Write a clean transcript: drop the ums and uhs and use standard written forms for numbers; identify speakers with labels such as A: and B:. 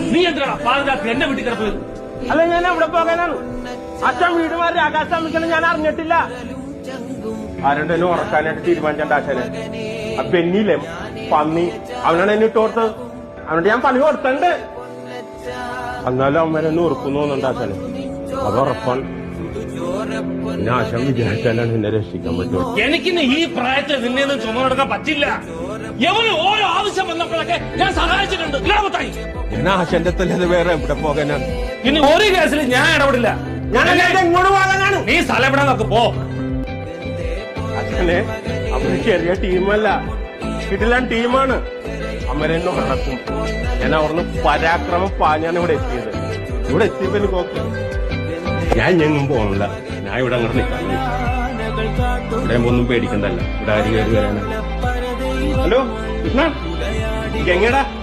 A: നീ എന്തിനാ പാതിരാത്രി എന്റെ വീട്ടിൽ കിടപ്പത്?
B: അല്ല, ഞാൻ അവിടെ പോകാനാണ്. അച്ഛൻ വീട് മാറി ആകാശം അമിക്കണം ഞാൻ അറിഞ്ഞിട്ടില്ല. ആരുണ്ടെന്നെ ഉറക്കാനായിട്ട് തീരുമാനിച്ചണ്ട ആശാനെ. ആ പെന്നില്ലേ പന്നി, അവനാണ് എന്നെ ഇട്ടോർത്തത്. അവനോട് ഞാൻ പണി കൊടുത്തണ്ട്. എന്നാലും അവന്മാരെന്നെ ഉറക്കുന്നു തോന്നുന്നുണ്ട് ആശാനെ. അത് ഉറപ്പാണ്. പിന്നെ ആശാൻ വിചാരിച്ചാലാണ് എന്നെ രക്ഷിക്കാൻ പറ്റുമോ?
A: എനിക്കിന്ന് ഈ പ്രായത്തിൽ നിന്നെയൊന്നും ചുമടെടുക്കാൻ പറ്റില്ല. എവന് ഓരോ ആവശ്യം വന്നപ്പോഴൊക്കെ ഞാൻ സഹായിച്ചിട്ടുണ്ട്. ഗ്രാമത്തായി
B: ഞാൻ ആശാന്റെ തല്ലത് വേറെ എവിടെ പോകാനാണ്?
A: ഇനി ഒരു കേസിൽ ഞാൻ ഇടപെടില്ല.
B: ഞാനല്ലാതെ എങ്ങോട്ട് പോകാനാണ്?
A: നീ സ്ഥലം എവിടെ നോക്ക് പോ.
B: അച്ഛനെ, അവര് ചെറിയ ടീമല്ല, കിടിലൻ ടീമാണ്. അമ്മരെന്നെ നടക്കും. ഞാൻ അവിടുന്ന് പരാക്രമം പാഞ്ഞാണ് ഇവിടെ എത്തിയത്. ഇവിടെ എത്തിയപ്പോ എനിക്ക് ഓക്കെ. ഞാൻ എങ്ങും പോകണില്ല. ഞാൻ ഇവിടെ അങ്ങോട്ട് നിൽക്കാൻ ഇവിടെ ഒന്നും പേടിക്കണ്ടല്ല. ഇവിടെ ആര് കയറി വരാനാ? ഹലോ കൃഷ്ണ, എങ്ങടാ?